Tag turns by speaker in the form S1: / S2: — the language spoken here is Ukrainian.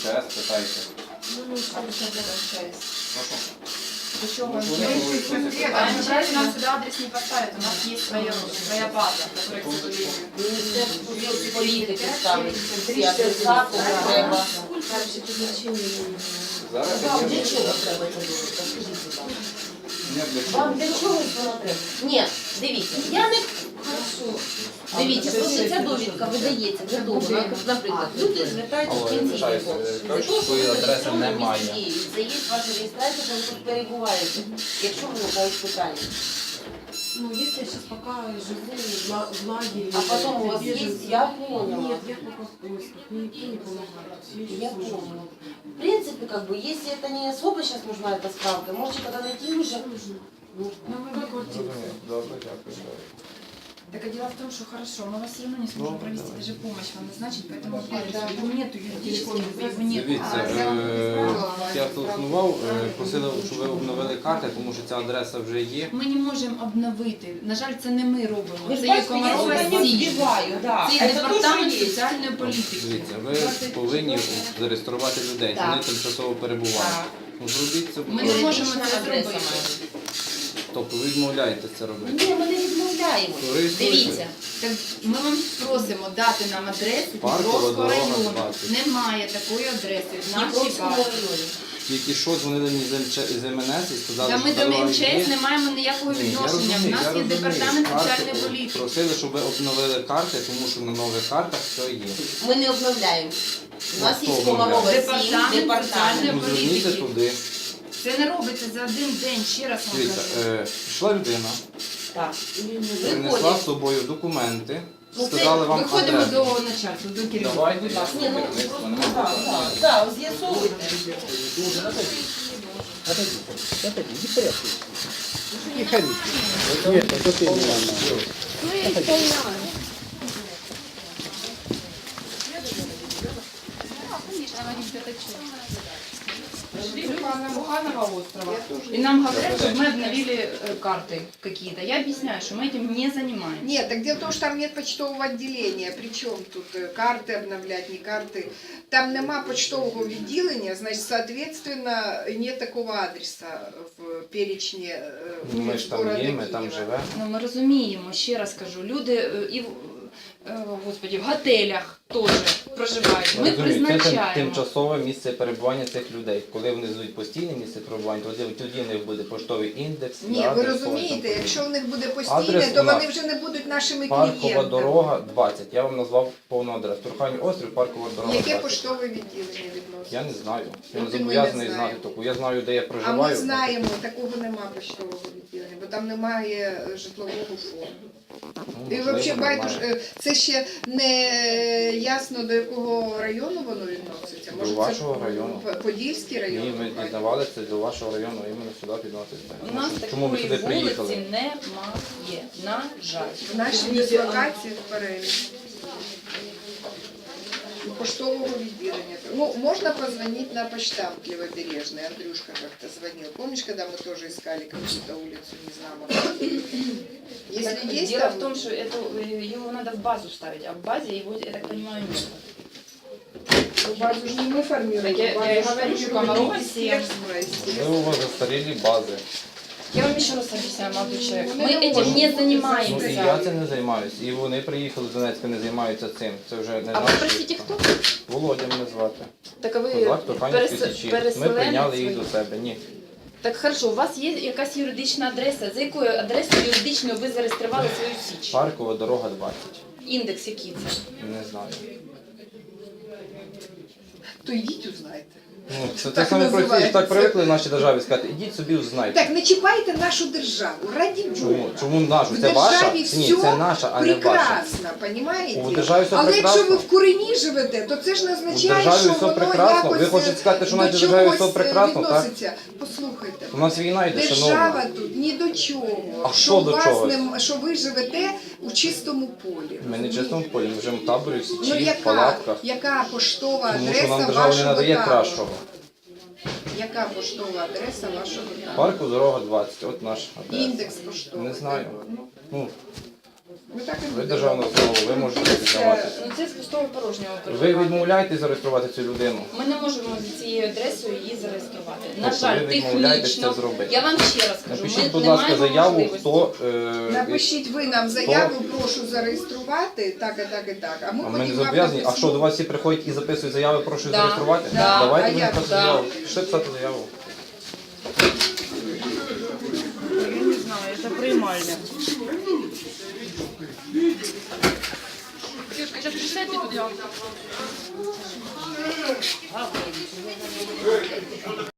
S1: МЧС, питайте.
S2: Ну, что это для МЧС?
S1: Прошу.
S2: До чего?
S3: А МЧС нам сюда адрес не поставит, у нас есть своя база, которая, к сожалению.
S2: Міністерство політики ставить всі адреса, кому треба.
S1: Зараз
S2: Вам
S1: я
S2: для чого треба це робити? Скажіть, будь ласка.
S1: не для чого.
S2: Вам для чого воно треба? Ні, дивіться, я не... Хорошо. Дивіться, просто ця довідка видається для того, наприклад, люди звертаються в пенсійний
S1: вибачаюся,
S2: фонд. Для
S1: кажуть,
S2: того,
S1: що своєї
S2: щоб
S1: адреси
S2: електронно
S1: немає.
S2: віддіють. Це є ваша реєстрація, коли тут перебуваєте, якщо виникають питання.
S4: Ну, если я сейчас пока живу в лагере...
S2: А потом у вас есть, я поняла.
S4: Нет, я пока в поисках, мне никто не помогает.
S2: Я поняла. В принципе, как бы, если это не особо сейчас нужна эта справка, можете когда найти уже... Ну,
S4: На мою квартиру.
S1: Добре, дякую.
S3: Так а дело в том, что хорошо, мы вас все равно не сможем провести даже помощь вам назначить, поэтому его нету юридически, его нет.
S1: Дивіться, я телефонував, просили, щоб ви обновили карти, тому що ця адреса вже є.
S3: Ми не можемо обновити. На жаль, це не ми робимо.
S2: Ви
S3: Це
S2: ж
S3: є
S2: бачите, я
S3: Комарова
S2: сюди не
S3: Січ.
S2: вбиваю, да.
S3: Це є департамент соціальної політики.
S1: Дивіться, ви повинні зареєструвати людей,
S2: Так.
S1: вони тимчасово перебувають.
S2: Так.
S1: Ну, зробіть це, будь
S3: Ми не
S1: ласка.
S3: можемо це
S2: Адреса
S3: зробити.
S1: Тобто ви відмовляєтесь це робити.
S2: Ні, ми не відмовляємо.
S1: Реєструйте.
S2: Дивіться.
S3: Так ми вам просимо дати нам адресу
S1: Паркова
S3: Дніпровського
S1: дорога,
S3: району.
S1: 20.
S3: Немає такої адреси в нашій
S2: Дніпровському
S3: базі.
S2: районі.
S1: Тільки що дзвонили мені з МНС і сказали,
S3: Та
S1: що
S3: ми до
S1: дорога
S3: МЧС
S1: є.
S3: не маємо ніякого
S1: Ні, я
S3: відношення. В
S1: розумію,
S3: нас
S1: я
S3: є
S1: розумію.
S3: департамент
S1: Карти
S3: соціальної політики.
S1: просили, щоб ви обновили карти, тому що на нових картах все є.
S2: Ми не обновляємо. У нас
S1: Ну,
S2: є
S1: хто
S2: Комарова
S1: обновляє?
S2: 7,
S3: Департамент
S2: департамент.
S3: соціальної
S1: Ну, зверніться
S3: політики.
S1: туди.
S3: Це не робиться за один день, ще раз вам
S1: Дивіться,
S3: кажу.
S1: пішла людина,
S2: Так.
S1: принесла
S2: Виходять.
S1: з собою документи,
S2: Ну, це
S1: сказали вам
S3: Виходимо
S1: адресу.
S3: до начальства, до керівника.
S1: Давайте,
S3: будь
S1: я
S3: ласка.
S2: Ні, ну,
S1: керівництво,
S2: просто,
S1: нема
S2: так,
S1: питань.
S2: так, так, з'ясовуйте.
S3: Пришли на Буханова острова, и нам говорят, чтобы мы обновили карты какие-то. Я объясняю, что мы этим не занимаемся.
S5: Нет, так дело в том, что там нет почтового отделения. Причем тут карты обновлять, не карты. Там нема почтового відділення, значит, соответственно, нет такого адреса в перечне
S1: Ми ж там
S5: города
S1: є, ми там
S5: Києва.
S1: живемо.
S3: Ну, ми розуміємо, ще раз кажу, люди і господи, в готелях теж проживають. Ми
S1: Розумію, це
S3: призначаємо.
S1: тимчасове місце перебування цих людей. Коли вони звуть постійне місце перебування, тоді в них буде поштовий індекс.
S5: Ні,
S1: дата,
S5: ви
S1: і
S5: розумієте,
S1: тому
S5: якщо в них буде
S1: Адрес
S5: постійне,
S1: у
S5: то
S1: нас
S5: вони вже не будуть нашими
S1: Паркова
S5: клієнтами.
S1: дорога 20. Я вам назвав повну адресу. Турханів острів, Паркова дорога
S5: Яке
S1: 20.
S5: поштове відділення відноситься?
S1: Я не знаю. Я
S5: Ну,
S1: не
S5: ти ми
S1: зобов'язаний
S5: не
S1: знати
S5: знаємо.
S1: таку. Я знаю, де я
S5: А
S1: проживаю.
S5: ми знаємо, такого нема почтового відділення, бо там немає житлового фонду.
S1: Ну,
S5: І
S1: можливо,
S5: взагалі байдуже,
S1: немає.
S5: це ще не ясно, до якого району воно відноситься.
S1: До
S5: Може, це
S1: вашого району.
S5: Подільський район?
S1: Ні, ми дізнавалися до вашого району, іменно сюди підноситься.
S3: У нас
S1: Чому ми
S3: такої
S1: сюди приїхали?
S3: вулиці немає, на жаль.
S5: В нашій дислокації в переліку. Поштового відділення. Ну, можно позвонить на почтамт Левобережный. Андрюшка как-то звонил. Помнишь, когда мы тоже искали какую-то улицу, не знаю. Если
S3: Так,
S5: есть
S3: дело
S5: там...
S3: в том, что его надо в базу ставить, а в базе его, я так понимаю, нет.
S5: Ну, базу же не мы формируем.
S3: Так я
S5: базу
S3: и говорю, что Комарова
S5: министерство, естественно.
S1: Ви у вас застарілі бази.
S3: Я вам еще раз объясняю, молодой человек.
S5: Ну,
S3: Мы
S5: не
S3: этим
S5: можем.
S3: не
S1: Ну і
S3: занимаемся.
S1: я це не займаюся. І вони приїхали з Донецька, не займаються цим. Це вже не
S3: А вы,
S1: наш.
S3: простите, кто?
S1: Володя мене звати.
S3: Так а ви
S1: Козак Турханівської Січі. Ми
S3: переселенець
S1: прийняли їх
S3: ви?
S1: до себе. Ні.
S3: Так хорошо, у вас є якась юридична адреса. За якою адресою юридичною ви зареєстрували свою січ?
S1: Паркова дорога 20.
S3: Індекс який це?
S1: Не знаю.
S5: То йдіть узнайте.
S1: Ну, це
S5: Так
S1: саме простіше.
S5: називається.
S1: Так привикли в нашій державі сказати, ідіть собі узнайте.
S5: Так, не чіпайте нашу державу, раді
S1: Чому?
S5: Бога.
S1: Чому нашу?
S5: В
S1: Це ваша?
S5: державі
S1: Ні,
S5: все
S1: це наша, а не ваша.
S5: прекрасно, понімаєте?
S1: У державі все
S5: Але
S1: прекрасно.
S5: якщо ви в курені живете, то це ж не
S1: У
S5: означає,
S1: державі
S5: що
S1: все
S5: воно
S1: прекрасно.
S5: якось
S1: Ви хочете сказати, що в
S5: до
S1: нашій державі все
S5: чогось
S1: прекрасно, так?
S5: відноситься. Послухайте.
S1: У нас війна йде,
S5: Держава
S1: шановні.
S5: тут ні до чого.
S1: А
S5: що
S1: що
S5: у
S1: до
S5: вас
S1: чогось?
S5: що ви живете у чистому полі.
S1: Ми не в чистому полі, ми живемо в таборі, в
S5: Ну
S1: Січі, в палатках.
S5: яка поштова
S1: Тому що
S5: адреса
S1: нам держава не
S5: вашого
S1: надає
S5: табору?
S1: кращого.
S5: Яка поштова адреса вашого табору?
S1: Парку дорога 20, от наш адрес.
S5: Індекс поштовий.
S1: Не знаю.
S5: так, ну.
S1: Ну,
S5: Ви так і
S1: Ви
S5: будете
S1: державна
S5: робити.
S1: установа, ви можете зареєструвати.
S3: Ну це з пустого порожнього.
S1: Ви відмовляєтесь зареєструвати цю людину?
S3: Ми не можемо за цією адресою її зареєструвати. На
S1: Тобто
S3: жаль,
S1: ви відмовляєтесь
S3: технічно.
S1: це зробити?
S3: Я вам ще раз кажу,
S1: Напишіть,
S3: ми
S1: будь
S3: не
S1: ласка,
S3: маємо
S1: заяву,
S3: можливості.
S1: хто...
S5: Напишіть ви нам заяву, прошу зареєструвати, так і так і так. А ми
S1: А ми не
S5: потім вам
S1: зобов'язані. А
S5: написемо.
S1: що, до вас всі приходять і записують заяви, прошу
S3: Да,
S1: зареєструвати?
S3: да.
S1: Давайте
S5: А
S1: будемо
S5: як?
S1: писати
S3: Да.
S1: заяву. Пішли писати заяву.
S6: Я не знаю, это приймальня.
S3: Девушка, сейчас присядьте туда.